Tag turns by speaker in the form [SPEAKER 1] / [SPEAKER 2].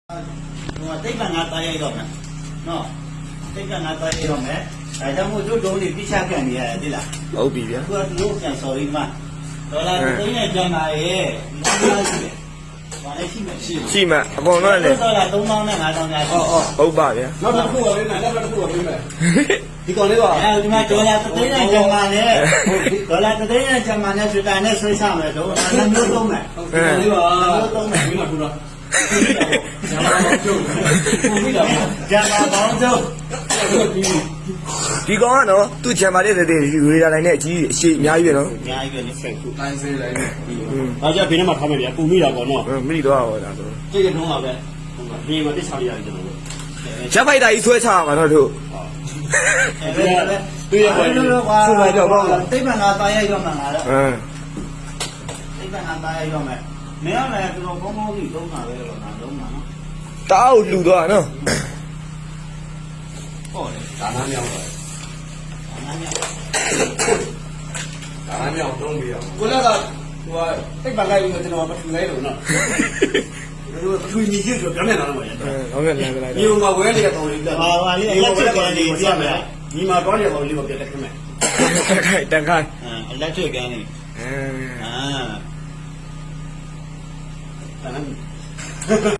[SPEAKER 1] တိတ်ကငါတားရိုက်တော့မယ်နော်တိတ်ကငါတားရိုက်တော့မယ်ဒါကြောင့်မို့တို့တုံးလေးပြချကန်နေရတယ်သိလား
[SPEAKER 2] ဟုတ်ပြီဗျာ
[SPEAKER 1] အခုကတို့ပြန်ဆော်ရီမှာဒေါ်လာသိန်းနဲ့ကျန်ပါရဲ့ဒီလိုရှိတယ်ဘာလဲရှိမယ်
[SPEAKER 2] ရှိမှအကုန်လုံးလည်း
[SPEAKER 1] ဒေါ်လာ3000နဲ့5000ညာရှိ
[SPEAKER 2] ဟုတ်ပါဗျာ
[SPEAKER 3] နောက်တစ်ခုပါပေးမယ်နောက်တစ်ခုပါပေးမယ်ဒီကောင်လေးပါ
[SPEAKER 1] အဲဒီမှာဒေါ်လာသိန်းနဲ့ကျန်ပါနဲ့ဒေါ်လာသိန်းနဲ့ကျန်ပါနဲ့ဆိုတာနဲ့ဆွေးစားမယ်တော့နှမျိုးသုံးမယ်
[SPEAKER 3] ဒီကောင်လေးပါ
[SPEAKER 1] မျိုးသုံးမယ်
[SPEAKER 3] ပြီးတော့ထူတော့
[SPEAKER 1] ကျန်ပါပေါင်းကျုပ်
[SPEAKER 2] ဒီကောင်ကတော့သူ့ချန်ပါတဲ့တဲ့ရေဒါလိုင်းနဲ့အကြီးအရှိအများကြီးပဲနော်
[SPEAKER 1] အများကြီးပဲနေဆက်ခု
[SPEAKER 3] တိုင်းစေးလိုက်အားကြဘေးနဲ့မှထားမယ်ဗျာပူမိတာပေါ့နော်
[SPEAKER 2] မိတော့ဟောဒါဆို
[SPEAKER 3] ကြည့်ရတော့ပါပဲဟုတ်ပါဒီမှာတစ်ချာလေးရတယ်ကျွန်တော်တို့
[SPEAKER 2] ချက်ဖိုက်တာကြီးဆွဲချမှာတော့တို့
[SPEAKER 1] တွေ့ရပါဘူးဆိုလိုက်တော့တိတ်ပံငါတားရိုက်တော့မှငါတော့တိတ်ပံငါတားရိုက်တော့မယ်မင်းကလည်းကျွန်တော်ကောင်းကောင်းကြီးသုံးတာပဲတော့ငါသုံးတာနော်
[SPEAKER 2] တားကိုလှူတော့နော်
[SPEAKER 1] ဟုတ်တယ်
[SPEAKER 3] ဒါနာမြောက်ပါ
[SPEAKER 1] ဒါနာမြောက်
[SPEAKER 3] ဒါနာမြောက်သုံးပြီးအောင်ကိုလည်းကဟိုတိတ်ပံလိုက်ပြီးကျွန်တော်မထူလိုက်လို့နော်တို့ထူညီကြီးဆိုပြောင်းနေတာတော့ဗျာ
[SPEAKER 2] ဟုတ်ကဲ့လည်းလိုက်
[SPEAKER 3] ဒီမှာဝဲနေတော့လေး
[SPEAKER 1] ဟာပါလေအလက်ထရစ်ကန်လေးပြမယ်
[SPEAKER 3] ဒီမှာတော့ရတော့လေးကိုပြတ်တက်ခမယ်
[SPEAKER 2] တန်ခိုင်း
[SPEAKER 1] အလက်ထရစ်ကန်လေး
[SPEAKER 2] အာ
[SPEAKER 1] 啊。